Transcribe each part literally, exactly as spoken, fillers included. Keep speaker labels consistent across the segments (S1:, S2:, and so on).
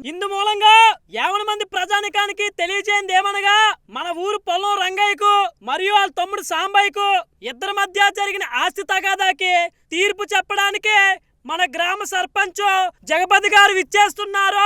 S1: ఇందు మూలంగా యావన మంది ప్రజానికానికి తెలియజేయండి ఏమనగా మన ఊరు పొలం రంగయ్యకు మరియు వాళ్ళ తమ్ముడు సాంబయ్యకు ఇద్దరి మధ్య జరిగిన ఆస్తి తగాదాకి తీర్పు చెప్పడానికి మన గ్రామ సర్పంచ్ జగపతి గారు విచ్చేస్తున్నారు.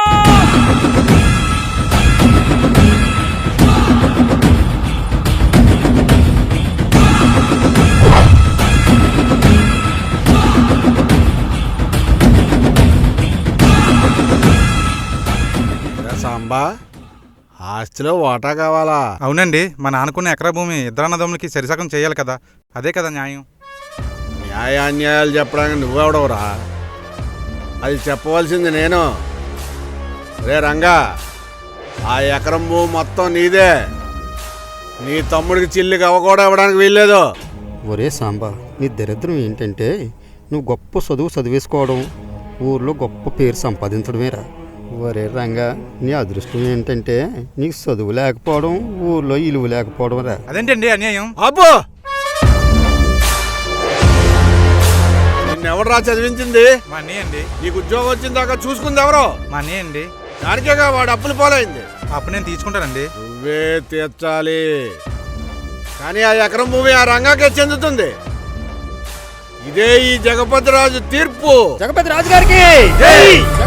S2: సాంబా, ఆస్తిలో వాటా కావాలా?
S3: అవునండి, మా నాన్నకున్న ఎకరా భూమి ఇద్దరు అన్నదమ్ములకి సరిసగం చేయాలి కదా, అదే కదా న్యాయం.
S2: న్యాయాన్యాయాలు చెప్పడానికి నువ్వెవడవురా? అది చెప్పవలసింది నేను. రే రంగా, ఆ ఎకరం భూమి మొత్తం నీదే. నీ తమ్ముడికి చిల్లికి అవ్వ కూడా ఇవ్వడానికి వీల్లేదు.
S4: ఒరే సాంబా, నీ దరిద్రం ఏంటంటే నువ్వు గొప్ప చదువు చదివేసుకోవడం, ఊర్లో గొప్ప పేరు సంపాదించడమేరా. ఒరే రంగా, నీ అదృష్టం ఏంటంటే నీకు చదువు లేకపోవడం, ఊర్లో ఇలువ లేకపోవడం రా.
S3: అదేంటండి అన్యాయం?
S2: అబ్బో, నిన్నెవడరా చదివించింది?
S3: మా అన్నయ్య అండి.
S2: నీకు ఉద్యోగం వచ్చిన దాకా చూసుకుంది ఎవరో?
S3: మా అన్నయ్య అండి.
S2: దానికేగా వాడు అప్పులు పోలైంది.
S3: అప్పుడు నేను తీసుకుంటానండి.
S2: నువ్వే తీర్చాలి. కానీ ఆ ఎకరం భూమి ఆ రంగాకే చెందుతుంది. ఇదే ఈ జగపతి రాజు తీర్పు.
S4: జగపతి రాజు గారికి
S2: జై.